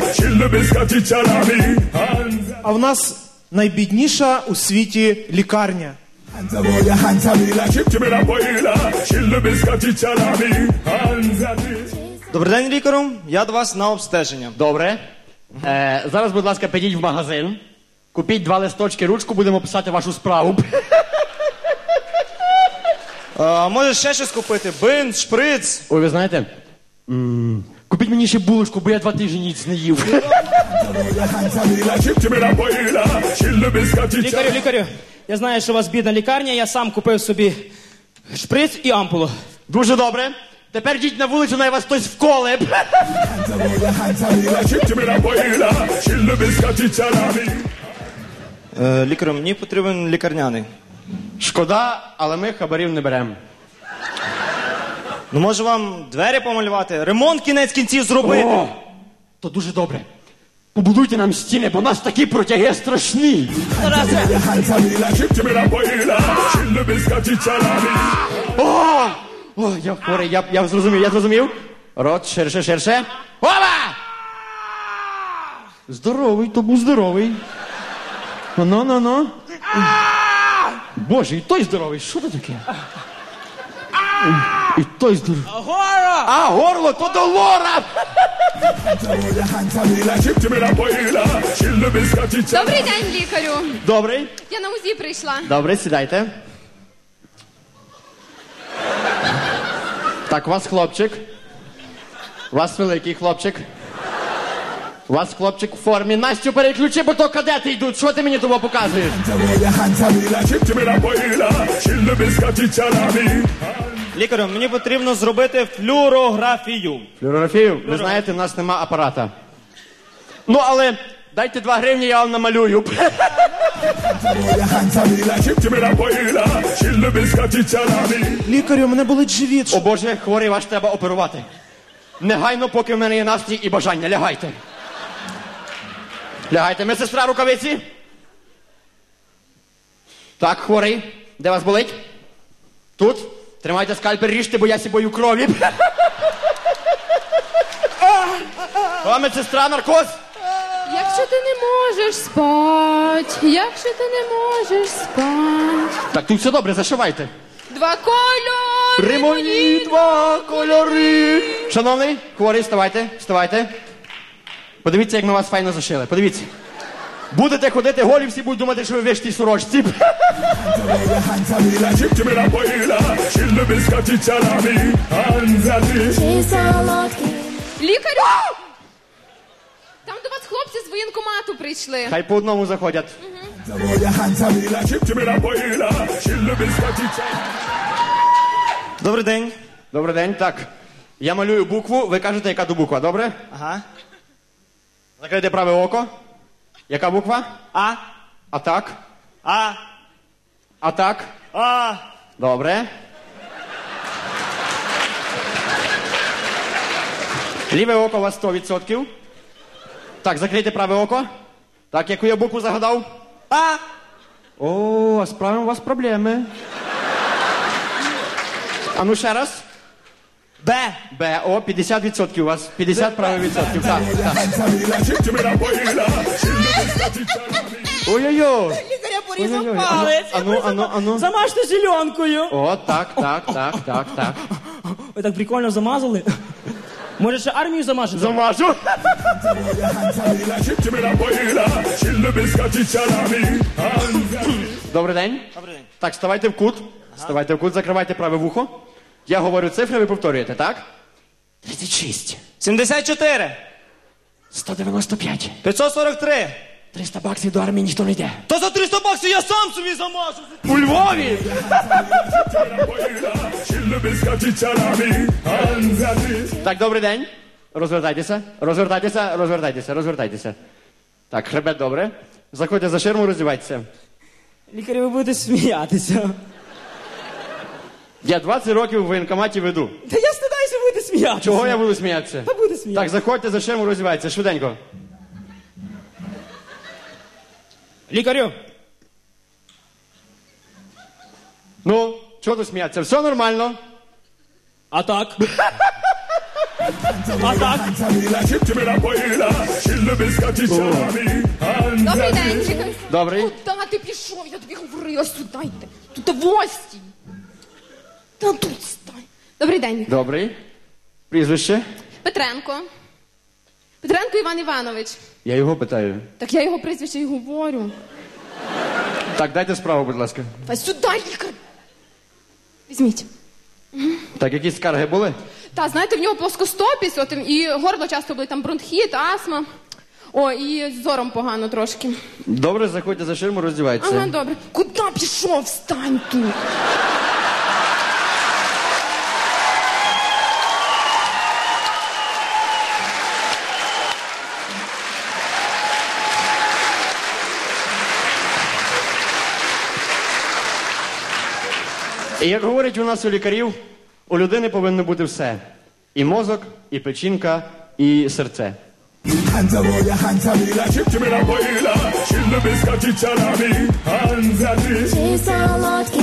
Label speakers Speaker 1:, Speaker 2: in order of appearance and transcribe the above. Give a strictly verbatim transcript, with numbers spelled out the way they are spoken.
Speaker 1: А в нас найбідніша у світі лікарня.
Speaker 2: Добрий день, лікарю. Я до вас на обстеження.
Speaker 3: Добре. Е, зараз, будь ласка, підіть в магазин. Купіть два листочки, ручку, будемо писати вашу справу.
Speaker 2: А, може ще щось купити? Бинт, шприц.
Speaker 3: Ой, ви знаєте, м, купіть мені ще булочку, бо я два тижні ніч не їв.
Speaker 4: Лікарю, лікарю, я знаю, що у вас бідна лікарня, я сам купив собі шприц і ампулу.
Speaker 3: Дуже добре. Тепер йдіть на вулицю, най вас хтось вколе.
Speaker 2: Е, лікарю, мені потрібен лікарняний.
Speaker 3: Шкода, але ми хабарів не беремо.
Speaker 2: Ну, може вам двері помалювати? Ремонт кінець кінців зробити?
Speaker 3: О, то дуже добре. Побудуйте нам стіни, бо у нас такі протяги страшні. О, о, я хворий, я, я зрозумів, я зрозумів. Рот ширше, ширше. Опа! Здоровий, то був здоровий. Ну, ну, ну. Боже, і той здоровий, що це таке? І той здоровий.
Speaker 4: Горло!
Speaker 3: А, горло, то до лора!
Speaker 5: Добрий день, лікарю.
Speaker 3: Добрий.
Speaker 5: Я на УЗІ прийшла.
Speaker 3: Добре, сідайте. Так, у вас хлопчик. У вас великий хлопчик. У вас хлопчик в формі. Настю, переключи, бо то кадети йдуть. Що ти мені того показуєш?
Speaker 2: Лікарю, мені потрібно зробити флюорографію.
Speaker 3: Флюорографію? Ви знаєте, в нас нема апарата. Ну, але дайте два гривні, я вам намалюю.
Speaker 1: Лікарю, мене болить живіт.
Speaker 3: О Боже, хворий, ваш треба оперувати. Негайно, поки в мене є настрій і бажання. Лягайте. Лягайте. Медсестра, рукавиці. Так, хворий. Де вас болить? Тут. Тримайте скальпель, ріжте, бо я сібою крові. О, медсестра, наркоз.
Speaker 5: Якщо ти не можеш спать, якщо ти не можеш спать.
Speaker 3: Так, тут все добре, зашивайте.
Speaker 5: Два кольори.
Speaker 3: Римоні два кольори. Шановний, хворий, вставайте, вставайте. Подивіться, як ми вас файно зашили. Подивіться. Будете ходити голі, всі будуть думати, що ви вишті сорочці.
Speaker 5: Лікарю! Там до вас хлопці з воєнкомату прийшли.
Speaker 3: Хай по одному заходять.
Speaker 2: Добрий день.
Speaker 3: Добрий день, так. Я малюю букву, ви кажете, яка то буква, добре?
Speaker 2: Ага.
Speaker 3: Закрийте праве око. Яка буква?
Speaker 2: А.
Speaker 3: А так.
Speaker 2: А.
Speaker 3: А так.
Speaker 2: А.
Speaker 3: Добре. Ліве око у вас сто відсотків. Так, закрийте праве око. Так, яку я букву загадав?
Speaker 2: А.
Speaker 3: О, а з правим у вас проблеми. А ну ще раз.
Speaker 2: Б.
Speaker 3: Б, о, п'ятдесят відсотків у вас. п'ятдесят правих відсотків, так, так. Ой-ой-ой.
Speaker 4: Лікаря порізав
Speaker 3: Ой-ой-ой.
Speaker 4: палець.
Speaker 3: Ану, ану, ану.
Speaker 4: Замажте зеленкою.
Speaker 3: О, так, так, так, так, так.
Speaker 4: Ви так прикольно замазали. Може, ще армію замажете?
Speaker 3: Замажу. Добрий день.
Speaker 2: Добрий день.
Speaker 3: Так, ставайте в кут. Ставайте в кут, закривайте праве вухо. Я говорю цифри, ви повторюєте, так? тридцять шість.
Speaker 2: сімдесят чотири.
Speaker 3: сто дев'яносто п'ять.
Speaker 2: п'ятсот сорок три.
Speaker 3: триста баксів до армії ніхто не йде.
Speaker 2: Та за триста баксів я сам собі замажу.
Speaker 3: У Львові! Так, добрий день. Розвертайтеся, розвертайтеся, розвертайтеся, розвертайтеся. Так, хребет добре. Заходьте за ширму, роздівайтеся.
Speaker 4: Лікарі, ви будете сміятися.
Speaker 3: Я двадцять років в воєнкоматі веду.
Speaker 4: Та я стидаюся, ви будете сміятися.
Speaker 3: Чого я буду сміятися?
Speaker 4: Та буде сміятися.
Speaker 3: Так, заходьте за ширму, роздівайтеся, швиденько.
Speaker 4: Лікарю.
Speaker 3: Ну, чого тут сміятися? Все нормально.
Speaker 4: А так? А так?
Speaker 5: Добрий день, чекай.
Speaker 3: Добрий.
Speaker 5: Куда ти пішов? Я тобі говорила, сюди йди. Тут гості. Та тут стань. Добрий день.
Speaker 3: Добрий. Прізвище?
Speaker 5: Петренко. Петренко Іван Іванович.
Speaker 3: Я його питаю.
Speaker 5: Так я його прізвище й говорю.
Speaker 3: Так, дайте справу, будь ласка.
Speaker 5: Та сюди, лікар. Візьміть.
Speaker 3: Так, якісь скарги були?
Speaker 5: Та, знаєте, в нього плоскостопість, от, і горло часто були, там бронхіт, астма. О, і з зором погано трошки.
Speaker 3: Добре, заходьте за ширму, роздівайтеся.
Speaker 5: Ага, добре. Куди пішов? Встань тут.
Speaker 3: І як говорять у нас у лікарів, у людини повинно бути все. І мозок, і печінка, і серце.
Speaker 1: Hanza voy a Hanza Vila, chip chip la boila, chille biscotti salami, Hanza
Speaker 6: Chase a lot.